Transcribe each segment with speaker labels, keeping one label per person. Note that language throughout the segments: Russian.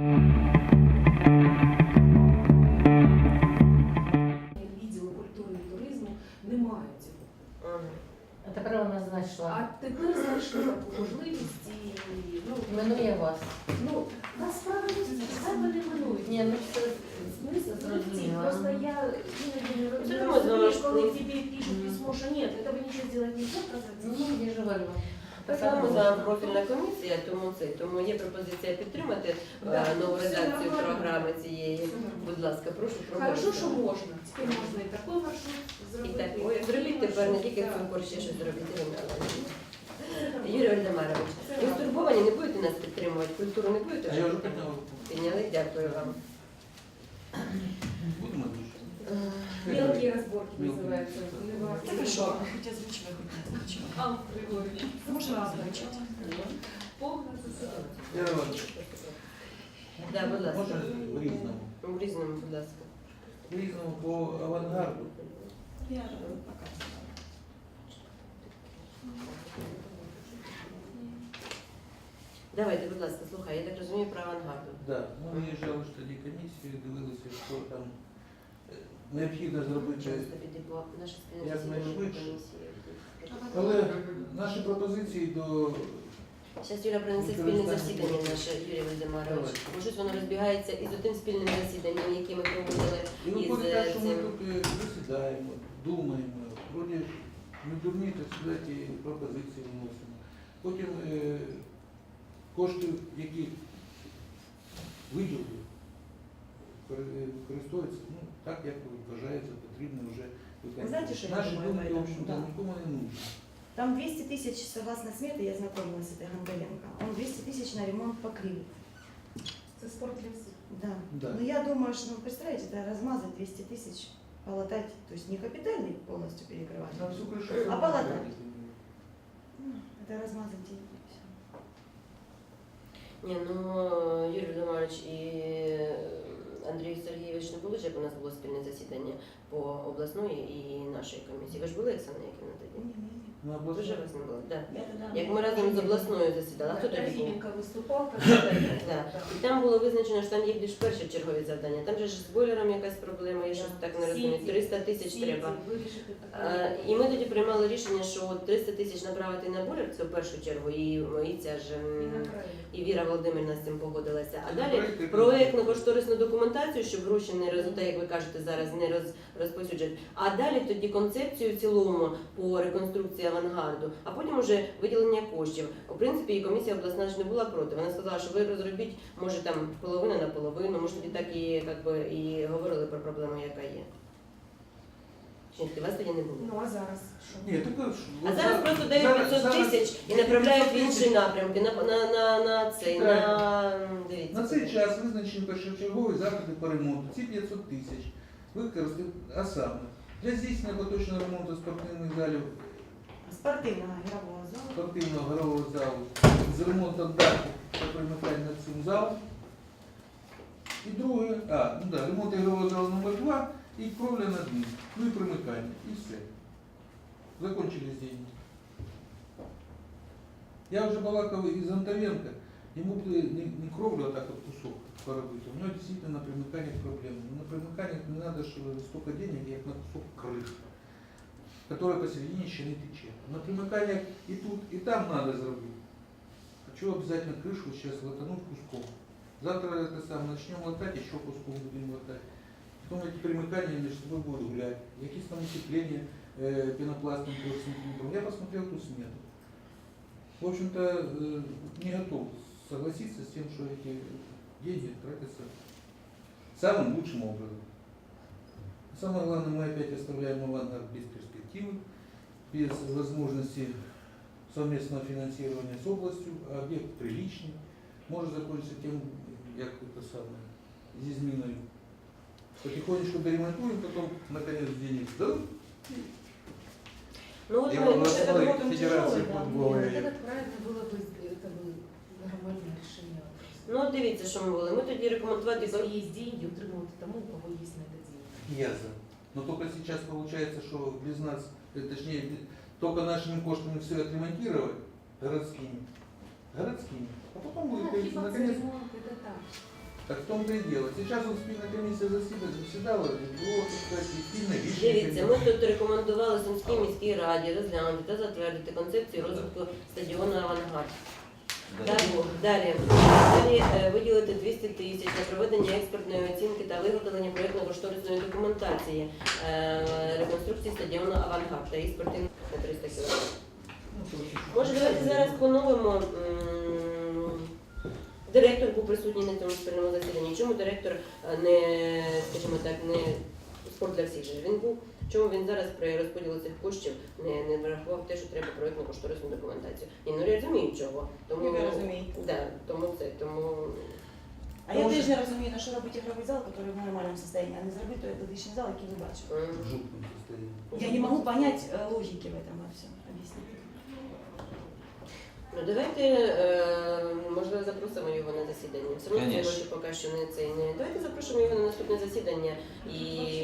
Speaker 1: Відділу культури і туризму немає цього.
Speaker 2: А тепер вона знайшла.
Speaker 1: А тепер знайшли таку можливість і
Speaker 2: Іменує вас.
Speaker 1: насправді себе не минують.
Speaker 2: Ні, ну це смисл зрозуміло.
Speaker 1: Просто я
Speaker 3: Це
Speaker 1: не
Speaker 3: не
Speaker 1: розумію,
Speaker 3: можна
Speaker 1: коли тебе пишут письмо, что нет, этого ничего сделать нельзя,
Speaker 2: Ну, я ж говорю.
Speaker 3: Так само за профільна комісія, тому є пропозиція підтримати нову редакцію програми цієї. Будь ласка, прошу проголосувати.
Speaker 1: Хорошо, що можна. Тепер можна і такий маршрут
Speaker 3: І
Speaker 1: зробити.
Speaker 3: так, ой, зробіть тепер не тільки цукор, ще щось зробіть. Юрій Вальдемарович, ви стурбовані, не будете нас підтримувати, культуру не будете?
Speaker 4: А я вже підняв.
Speaker 3: Підняли, дякую вам.
Speaker 4: Будемо дуже.
Speaker 1: Мелкие разборки называются.
Speaker 5: Хорошо, хоть озвучивай, хоть не озвучивай.
Speaker 1: Алла Григорьевна.
Speaker 5: Можно озвучить?
Speaker 1: Полностью ситуация.
Speaker 4: Я вам
Speaker 3: Да, будь ласка.
Speaker 4: можна в різному.
Speaker 3: В різному, будь ласка.
Speaker 4: В різному по авангарду.
Speaker 5: Я показывала.
Speaker 3: Давайте, будь ласка, слухай, я так розумію про авангарду.
Speaker 4: Да. Ми виїжджали ж тоді комісію, дивилися, що там необхідно зробити.
Speaker 3: Часто піде по нашій спільній
Speaker 4: Як
Speaker 3: засіданні
Speaker 4: найшвидше.
Speaker 3: комісії.
Speaker 4: Але наші пропозиції до
Speaker 3: Зараз Юля принесе спільне засідання наше, Юрій Вальдемарович. Бо щось воно розбігається із тим спільним засіданням, яке ми проводили
Speaker 4: і
Speaker 3: із
Speaker 4: виходить так, що ми
Speaker 3: цим.
Speaker 4: тут засідаємо, думаємо, вроді не дурні, так сказати, пропозиції вносимо. Потім кошти, які виділили, використовуються так, як вважається потрібно вже
Speaker 6: Ви знаєте, що я
Speaker 4: Наші
Speaker 6: думаю
Speaker 4: думки,
Speaker 6: по
Speaker 4: в
Speaker 6: этому?
Speaker 4: общем-то,
Speaker 6: Да.
Speaker 4: нікому не нужні.
Speaker 6: Там 200 тысяч, согласно смете, я знакомилась с этой Гонгаленко. Он 200 тысяч на ремонт покрыл.
Speaker 1: Это спорт для всех.
Speaker 6: Да.
Speaker 4: Да.
Speaker 6: Но я думаю, что, представляете, это размазать 200 тысяч, полотать, то есть не капитальный полностью перекрывать.
Speaker 4: Там всю кришу
Speaker 6: А
Speaker 4: сама
Speaker 6: палата?
Speaker 4: зробити.
Speaker 6: Это размазать деньги. и всё.
Speaker 3: Ні, ну Юрій Вальдемарович і Андрій Сергійович не були, ж, як у нас було спільне засідання по обласної і нашої комісії. Ви ж були, Оксана Яківна, тоді?
Speaker 6: Не-не-не.
Speaker 4: На
Speaker 3: Ви
Speaker 4: обласному.
Speaker 3: ж вас не були? Да.
Speaker 6: Я тогда
Speaker 3: Як ми разом з обласною засідали, а хто тоді був?
Speaker 1: Трофименко выступал, как
Speaker 3: Да. І там було визначено, що там є більш першочергові завдання. Там же ж з бойлером якась проблема, я щось так не розумію. 300 тисяч треба. І ми тоді приймали рішення, що 300 тисяч направити на бойлер, це в першу чергу, і ця ж і Віра Володимирівна з цим погодилася. А далі проєктно-кошторисну документацію, щоб гроші не так, як ви кажете, зараз не розповсюджують. А далі тоді концепцію в цілому по реконструкції авангарду, а потім уже виділення коштів. У принципі, і комісія обласна ж не була проти. Вона сказала, що ви розробіть, може там половина на половину, може тоді так і говорили про проблему, яка є. Чи ні, вас тоді не було?
Speaker 1: Ну а зараз що?
Speaker 4: Ні, так,
Speaker 3: А зараз просто дають 500 тисяч і направляють в інші напрямки, на цей, дивіться.
Speaker 4: На цей час визначені першочергові заходи по ремонту. Ці 500 тисяч використати, а саме для здійснення поточного ремонту спортивних залів,
Speaker 6: Спортивного игрового зала.
Speaker 4: спортивного горового залу, з ремонтом даху та примикання над цим залом. І друге, ремонт ігрового залу номер 2 і кровля над ним, ну і примикання, і все. Закончились деньги. Я вже балакав із Антоненко, ему бы не кровлю, а так вот кусок поробити. У него действительно на примыканиях проблемы. Но на примыканиях не надо столько денег, как на кусок крыши, которая посередине еще не течет. На примыканиях и тут, и там надо сделать. Хочу обязательно крышу сейчас латануть куском. Завтра это самое, начнем латать, еще куском будем латать. Потом эти примыкания между собой будут гулять. Какие там утепления пенопластом 3 см. Я посмотрел ту смету. В общем-то, не готов согласиться с тем, что эти деньги тратятся самым лучшим образом. Самое главное, мы опять оставляем авангард без перспективы, без возможности совместного финансирования с областью, а объект приличный. Может закончиться тем, как это самое, зизминой. Потихонечку доремонтуем, потом наконец денег дадут.
Speaker 3: Ну, от
Speaker 4: Я
Speaker 3: ми,
Speaker 4: областной
Speaker 6: работаем
Speaker 4: федерации
Speaker 6: тяжелый, да.
Speaker 4: футбола.
Speaker 1: Это как правильно было бы, это бы нормальное решение.
Speaker 3: ну от дивіться, що ми були. Ми тоді рекомендувати.
Speaker 1: Если есть деньги, утримувати тому, у кого есть на это деньги.
Speaker 4: Я за. Но только сейчас получается, что без нас, точнее, только нашими коштами все отремонтировать городскими. А потом будет, наконец,
Speaker 1: Ремонт, это так.
Speaker 4: Так в том-то и дело. Сейчас вот спільна комісія заседала, було, так сказати, спільне рішення.
Speaker 3: Дивіться, ми тут рекомендували Сумській міській раді розглянути та затвердити концепцію розвитку стадіону «Авангард». Далі виділити 200 тисяч на проведення експертної оцінки та виготовлення проєктно-кошторисної документації реконструкції стадіону «Авангард» та їх спортивних на 300 кг. Може, давайте зараз поновимо. Директор був присутній на цьому спільному засіданні. Чому директор не, скажімо так, не спорт для всіх же він був? Чому він зараз при розподілі цих коштів не врахував те, що треба проєктно-кошторисну документацію? Ні, ну я розумію чого. Тому,
Speaker 6: Ви розумієте.
Speaker 3: Да, тому
Speaker 6: А я теж не розумію, на що робити ігровий зал, який в нормальному стані, а не зробити той атлетичний зал, який ви бачите.
Speaker 4: В жутком состоянии.
Speaker 6: Я не можу понять логики в этом во всем. Объясните.
Speaker 3: ну, давайте, можливо, запросимо його на засідання. Все одно ці
Speaker 7: Конечно.
Speaker 3: гроші поки що не цей не. Давайте запросимо його на наступне засідання і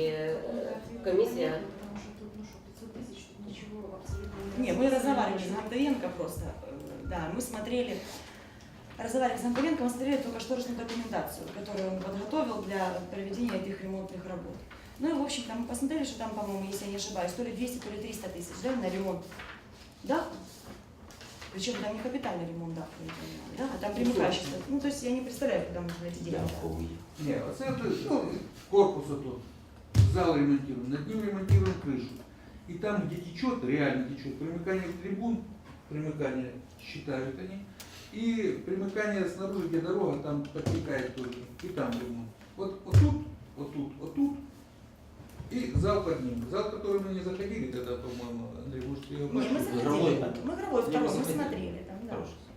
Speaker 3: комісія.
Speaker 1: Потому что тут, ну что, 500 тысяч, тут ничего абсолютно
Speaker 6: Не, мы разговаривали с Гантовенко просто, да, мы смотрели, разговаривали с Гантовенко, мы смотрели только кошторисную документацию, которую он подготовил для проведения этих ремонтных работ. Ну и, в общем-то, мы посмотрели, что там, по-моему, если я не ошибаюсь, то ли 200, то ли 300 тысяч, да, на ремонт. Да? Причем там не капитальный ремонт, да, да, а там примыкающий. Ну, то есть я не представляю, куда нужно эти деньги.
Speaker 4: Не, а це, ну, корпус тут, зал ремонтируем, над ним ремонтируем крышу. И там, где течет, реально течет, примыкание к трибун, примыкание считают они, и примыкание снаружи, где дорога, там подтекает тоже, и там ремонт. Вот тут, вот тут, вот тут, и зал под ним. Зал, который мы не заходили тогда, по-моему, Андрей, может, ты его
Speaker 6: Не, мы
Speaker 4: бачил?
Speaker 6: заходили,
Speaker 7: Игровой.
Speaker 6: мы игровой второй, мы
Speaker 7: заходили.
Speaker 6: смотрели там, да.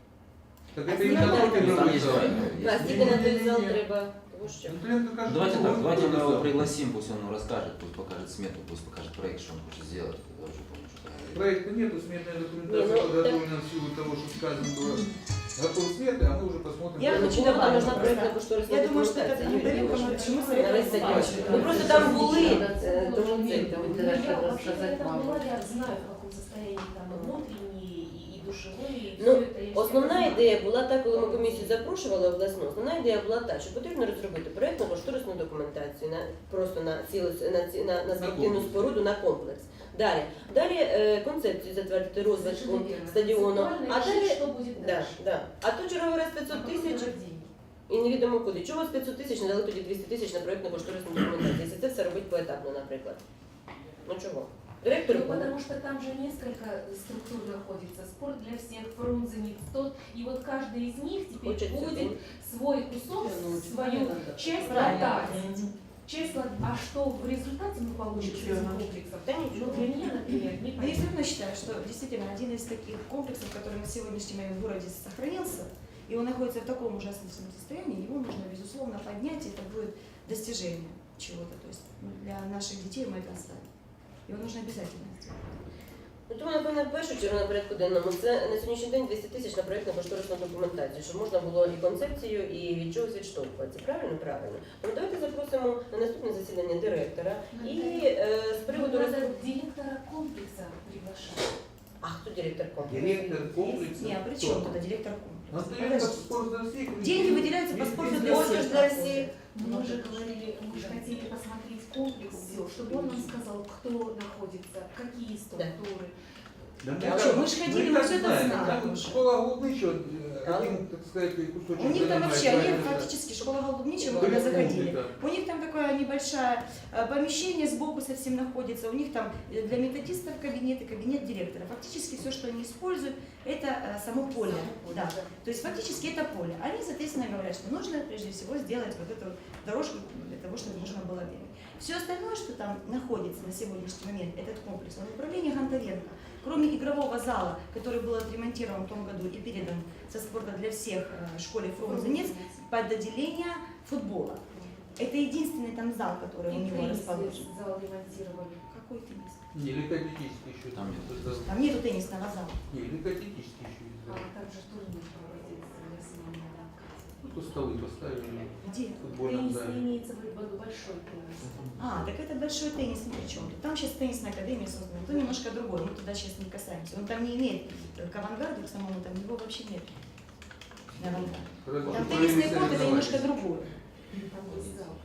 Speaker 4: Так
Speaker 6: А
Speaker 4: это именно
Speaker 6: снимали
Speaker 4: напротив
Speaker 6: там
Speaker 4: игровой
Speaker 7: есть
Speaker 4: зал.
Speaker 7: варианты.
Speaker 3: А стільки на той зал треба. Тому що.
Speaker 4: Антоненко кажется,
Speaker 7: Давайте
Speaker 4: что
Speaker 7: так,
Speaker 4: он
Speaker 7: давайте мы
Speaker 4: написал.
Speaker 7: его пригласим, пусть он расскажет, пусть покажет смету, пусть покажет проект, что он хочет сделать. Я уже помню, что там.
Speaker 4: Проекта нету, сметная документация
Speaker 3: Не, ну,
Speaker 4: подготовлена в силу того, что сказано было. Готов свет, а мы уже посмотрим.
Speaker 6: Я
Speaker 4: как
Speaker 6: хочу
Speaker 4: это.
Speaker 6: добавить
Speaker 3: нужна
Speaker 6: просто.
Speaker 3: проєктно-кошторисна
Speaker 6: Я думаю, что это
Speaker 3: документація.
Speaker 6: Гантовенко, мы почему советуем
Speaker 3: На весь
Speaker 6: сдачу.
Speaker 3: Ну просто там були, тому це,
Speaker 2: Там
Speaker 3: тому
Speaker 1: Я
Speaker 2: директор
Speaker 1: вообще
Speaker 2: рассказать
Speaker 1: там
Speaker 2: вам.
Speaker 1: была, я знаю, в каком состоянии там и внутренний, и душевой, и
Speaker 3: Ну,
Speaker 1: все это. Я
Speaker 3: основна
Speaker 1: всегда
Speaker 3: ідея була та, коли ми комісію запрошували обласну, основна ідея була та, що потрібно розробити проєктно-кошторисну документацію просто на спортивну споруду, на комплекс. Далі концепцію затвердити розвитку
Speaker 1: Совершенно верно.
Speaker 3: стадіону,
Speaker 1: Концептуально
Speaker 3: а
Speaker 1: решить,
Speaker 3: далі
Speaker 1: что будет
Speaker 3: да,
Speaker 1: дальше.
Speaker 3: да. А тут черговий раз 500 тисяч і невідомо куди. Чого з 500 тисяч не дали тоді 200 тисяч на проєктно-кошторисну документацію, якщо це все робити поетапно, наприклад? Ну чого? Директор
Speaker 1: Ну, потому что там же несколько структур находится. Спорт для всех, Фрунзе, Никстот. И вот каждый из них теперь
Speaker 3: хочет
Speaker 1: будет свой кусок, свою часть
Speaker 2: Правильно.
Speaker 1: латать. Часть латать. А что в результате мы получим с этим комплексом?
Speaker 3: Да
Speaker 1: Ну,
Speaker 3: ничего.
Speaker 1: для меня, например, не
Speaker 6: Но я
Speaker 1: понятно.
Speaker 6: все равно считаю, что действительно один из таких комплексов, который на сегодняшний момент в городе сохранился, и он находится в таком ужасном состоянии, его нужно, безусловно, поднять, и это будет достижение чего-то. То есть для наших детей мы это оставим. Его нужно обязательно сделать.
Speaker 3: Ну, тому, напевно, в першу чергу на порядку денному це на сьогоднішній день 200 тисяч на проєктно-кошторисну документацію, щоб можна було і концепцію, і від чогось відштовхуватися. Правильно? Правильно. Тому давайте запросимо на наступне засідання директора і з приводу
Speaker 1: Надо директора комплекса приглашать.
Speaker 3: А хто директор комплексу?
Speaker 4: Директор комплекса.
Speaker 6: Не, а при чем туда директор комплекса?
Speaker 4: Антоненко спорт для всех.
Speaker 6: Деньги выделяются по спорту для
Speaker 3: Спорт
Speaker 6: всех.
Speaker 3: для всех.
Speaker 1: Мы же говорили, мы же хотели посмотреть комплекс, чтобы он нам сказал, кто находится, какие структуры.
Speaker 4: Да
Speaker 6: А что, мы ж ходили, мы
Speaker 4: так
Speaker 6: всё это
Speaker 4: знаем.
Speaker 6: знаем
Speaker 4: Так вот
Speaker 6: уже.
Speaker 4: школа Голубничего, один, так сказать, кусочек
Speaker 6: У них там
Speaker 4: занимает
Speaker 6: вообще, они
Speaker 4: правильно, да.
Speaker 6: фактически, школа Голубничего,
Speaker 4: Да,
Speaker 6: когда
Speaker 4: да,
Speaker 6: заходили,
Speaker 4: да.
Speaker 6: у них там такое небольшое помещение сбоку совсем находится, у них там для методистов кабинет и кабинет директора. Фактически все, что они используют, это само поле. Да. То есть фактически это поле. Они, соответственно, говорят, что нужно прежде всего сделать вот эту дорожку для того, чтобы можно было бегать. Все остальное, что там находится на сегодняшний момент, этот комплекс, он в управлении Гантовенко. Кроме игрового зала, который был отремонтирован в том году и передан со спорта для всех школе Фрунзе под отделение футбола. Это единственный там зал, который у него расположен.
Speaker 1: Зал ремонтировали.
Speaker 6: Какой теннис?
Speaker 4: Не, легкоатлетический еще.
Speaker 7: Там нет.
Speaker 4: Это-
Speaker 6: Там нету теннисного зала.
Speaker 4: Не, легкоатлетический еще есть.
Speaker 1: А
Speaker 4: да.
Speaker 1: там же турнир проводился для семейного.
Speaker 4: Ну, то столы поставили
Speaker 6: Где?
Speaker 4: в футбольном
Speaker 1: Теннис
Speaker 4: зале.
Speaker 1: имеется в виду большой теннис.
Speaker 6: А, так это большой теннис ни при чем. Там сейчас теннисная академия создана, то немножко другое, мы туда сейчас не касаемся. Он там не имеет, к авангарду к самому, там его вообще нет. На авангарде.
Speaker 4: Разве
Speaker 6: Там
Speaker 4: что
Speaker 6: теннисный
Speaker 4: провели
Speaker 6: корт это немножко
Speaker 4: соревнования.
Speaker 6: другое.
Speaker 1: Там есть зал.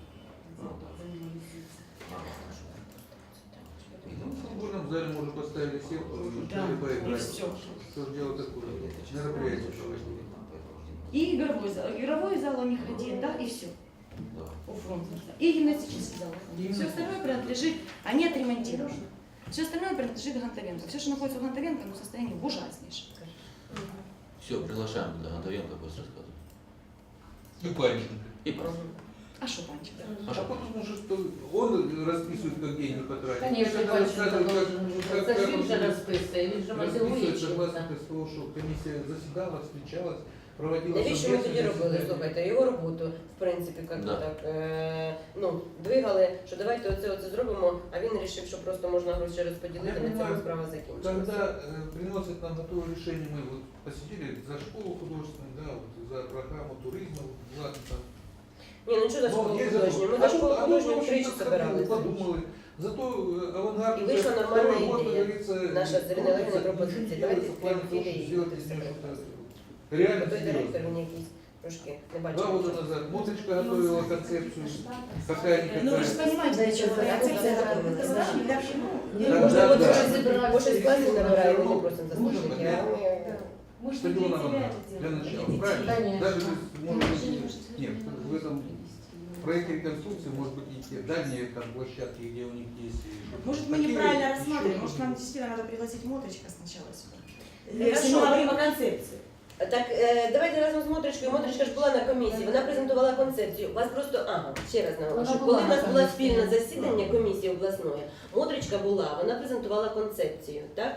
Speaker 4: Ну, в футбольном зале можно поставили сетку,
Speaker 5: Да,
Speaker 4: и
Speaker 5: и
Speaker 4: поиграть.
Speaker 5: все.
Speaker 4: Все же дело такое. Мероприятие проводили.
Speaker 6: И игровой зал. Игровой зал у них один, да, и все. У фронтенца. И гимнастический зал. Все остальное принадлежит, они отремонтированы. Все остальное принадлежит Гонтаренко. Все, что находится у Гонтаренко, в состоянии ужаснейшем.
Speaker 7: Все, приглашаем туда Гонтаренко, пусть рассказывает.
Speaker 4: И Панченко.
Speaker 7: И просто.
Speaker 6: А что, Панчик?
Speaker 4: А потому что он расписывает, как деньги потратить.
Speaker 2: Конечно,
Speaker 4: Когда
Speaker 2: Панченко
Speaker 4: рассказывает,
Speaker 2: должен.
Speaker 4: как
Speaker 2: Это
Speaker 4: он
Speaker 2: же же расписывается, він же мотивує
Speaker 4: расписывает, согласно
Speaker 2: чим-то.
Speaker 4: того, что комиссия заседала, встречалась, проводила
Speaker 3: Навіщо ми тоді
Speaker 4: совместные
Speaker 3: робили,
Speaker 4: заседания.
Speaker 3: слухайте, його роботу, в принципі, як
Speaker 7: Да.
Speaker 3: так, двигали, що давайте оце зробимо, а він вирішив, що просто можна гроші розподілити,
Speaker 4: Я
Speaker 3: на цьому
Speaker 4: понимаю.
Speaker 3: справа закінчилася.
Speaker 4: Когда приносят нам готовое решение, мы вот посидели за школу художественную, да, вот за программу туризма, ладно, там.
Speaker 3: Ні, ну що за школу
Speaker 4: есть
Speaker 3: художню? Ми
Speaker 4: закон.
Speaker 3: за школу
Speaker 4: А
Speaker 3: художню
Speaker 4: в
Speaker 3: втричі
Speaker 4: общем-то,
Speaker 3: собиралися.
Speaker 4: подумали. Зато авангард
Speaker 3: И вышла
Speaker 4: уже
Speaker 3: нормальная
Speaker 4: второй год,
Speaker 3: идея.
Speaker 4: как говорится,
Speaker 3: Наша с Ириной Олеговной
Speaker 4: крутится,
Speaker 3: пропозиция.
Speaker 4: ничего
Speaker 3: Давайте
Speaker 4: делается в плане того,
Speaker 3: идеи
Speaker 4: чтобы сделать из
Speaker 3: будем
Speaker 4: нее
Speaker 3: собираться.
Speaker 4: что-то реально
Speaker 3: Той директор
Speaker 4: серьезное.
Speaker 3: він якийсь трошки не
Speaker 4: 2
Speaker 3: бачив.
Speaker 4: года назад Мотричка готовила концепцию, какая-никакая.
Speaker 6: Ну вы же понимаете, для чего концепция готовилась, да? Для всего.
Speaker 4: Да,
Speaker 3: Може,
Speaker 4: да,
Speaker 3: от
Speaker 4: да.
Speaker 3: щось зібрали, бо щось класів набираємо, не просимо
Speaker 4: Может
Speaker 3: заступники,
Speaker 4: быть,
Speaker 3: а ми...
Speaker 1: Мы же
Speaker 4: Стадион
Speaker 1: для
Speaker 4: авангард,
Speaker 1: тебя
Speaker 4: для
Speaker 1: это
Speaker 4: начала,
Speaker 1: делаем, для
Speaker 4: правильно?
Speaker 1: детей.
Speaker 2: Конечно.
Speaker 4: Даже если, может быть, нет, в этом проекте реконструкции, может быть, и те дальние там площадки, где у них есть.
Speaker 6: Может, мы
Speaker 4: такие
Speaker 6: неправильно
Speaker 4: еще
Speaker 6: рассматриваем, может, нам
Speaker 4: какие-то.
Speaker 6: действительно надо пригласить Мотричка сначала сюда.
Speaker 3: Хорошо.
Speaker 6: Если мы говорим о концепции.
Speaker 3: Так, давайте разом з Мотричкою. Мотричка ж була на комісії, вона презентувала концепцію. У вас просто, ще раз наголошую,
Speaker 2: Вона
Speaker 3: коли
Speaker 2: була
Speaker 3: в нас
Speaker 2: на
Speaker 3: було
Speaker 2: комісії.
Speaker 3: спільне засідання комісії обласної, Мотричка була, вона презентувала концепцію, так?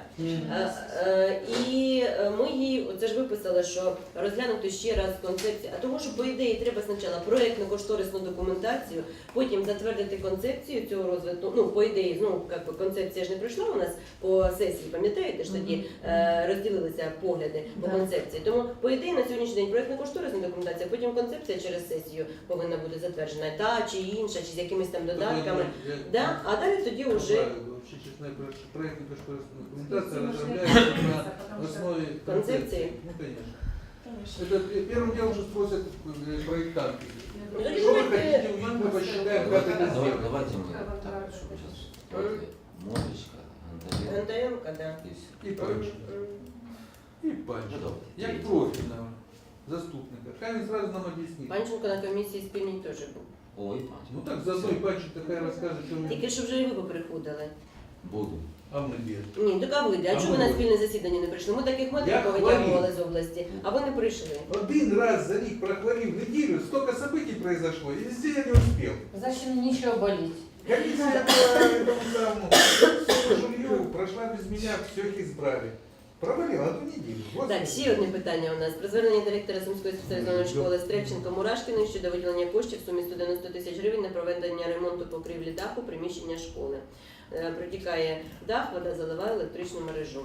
Speaker 3: І ми їй, це ж виписали, що розглянути ще раз концепцію, а тому що, по ідеї, треба спочатку проєктно-кошторисну документацію, потім затвердити концепцію цього розвитку, ну, по ідеї, ну, як би концепція ж не пройшла у нас по сесії, пам'ятаєте ж тоді, розділилися погляди по
Speaker 2: Да.
Speaker 3: концепції. Тому, по ідеї, на сьогоднішній день проєктно-кошторисна документація, потім концепція через сесію повинна бути затверджена, та чи інша, чи з якимись там додатками. Да? А далі тоді вже
Speaker 4: Вообще, честно говоря, проектная кошторисная документация разработается на основе
Speaker 3: Концепции?
Speaker 4: Ну, конечно. Это первым делом, что спросят проектанты.
Speaker 3: Ну, тоді
Speaker 4: Что вы
Speaker 3: давайте-
Speaker 4: хотите увидеть, мы посчитаем, как это сделать.
Speaker 7: Давайте мы так, чтобы сейчас. Давайте Мотричка, Гонтаренко
Speaker 3: Гонтаренко, да.
Speaker 7: и все.
Speaker 4: И Панченко. И
Speaker 7: Ну,
Speaker 4: Панченко.
Speaker 7: давай.
Speaker 4: Як профільного заступника. Хай він зразу нам об'яснить.
Speaker 3: Панченко на комісії спільній теж був.
Speaker 7: Ой, Панченко.
Speaker 4: Ну так заодно і Панченко хай розкаже, що він...
Speaker 3: Тільки що вже і ви поприходили.
Speaker 7: Буду.
Speaker 4: А ми без.
Speaker 3: Ні, так а ви, а
Speaker 4: А
Speaker 3: чому
Speaker 4: ми
Speaker 3: ви на
Speaker 4: ви.
Speaker 3: спільне засідання не прийшли? Ми таких метрів
Speaker 4: Я
Speaker 3: повитягували
Speaker 4: хворів.
Speaker 3: з області, а ви не прийшли.
Speaker 4: Один раз за них прохворил неделю, столько событий произошло, и везде я не успел.
Speaker 2: Значит, нечего болеть.
Speaker 4: Комиссия по этому самому жилью прошла без меня, все их избрали. Провалила одну неделю. Господи.
Speaker 3: Так, ще одне питання у нас. Про звернення директора Сумської спеціалізованої школи Стрельченко Мурашкіної щодо виділення коштів в сумі 190 тисяч гривень на проведення ремонту покрівлі даху приміщення школи. Протікає дах, вода заливає електричну мережу.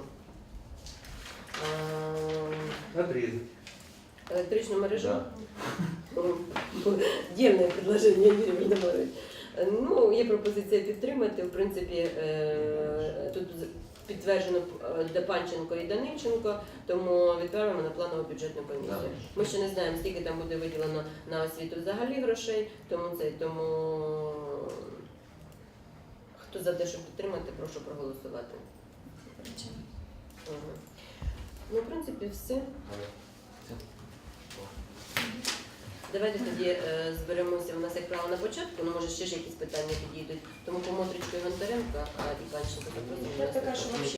Speaker 4: Отрезать.
Speaker 3: Електричну мережу?
Speaker 7: Да.
Speaker 3: Дивне предложення, Юрій Володимирович. Ну, є пропозиція підтримати. В принципі, тут підтверджено Панченко і Данильченко, тому відправимо на планову бюджетну комісію.
Speaker 7: Да.
Speaker 3: Ми ще не знаємо, скільки там буде виділено на освіту взагалі грошей, тому хто за те, щоб підтримати, прошу проголосувати. Ага. Ну, в принципі, все. Давайте тоді зберемося. У нас, як правило, на початку, ну, може, ще ж якісь питання підійдуть. Тому по Мотричку і Гонтаренко, а і Панченко.
Speaker 6: Я така, що вообще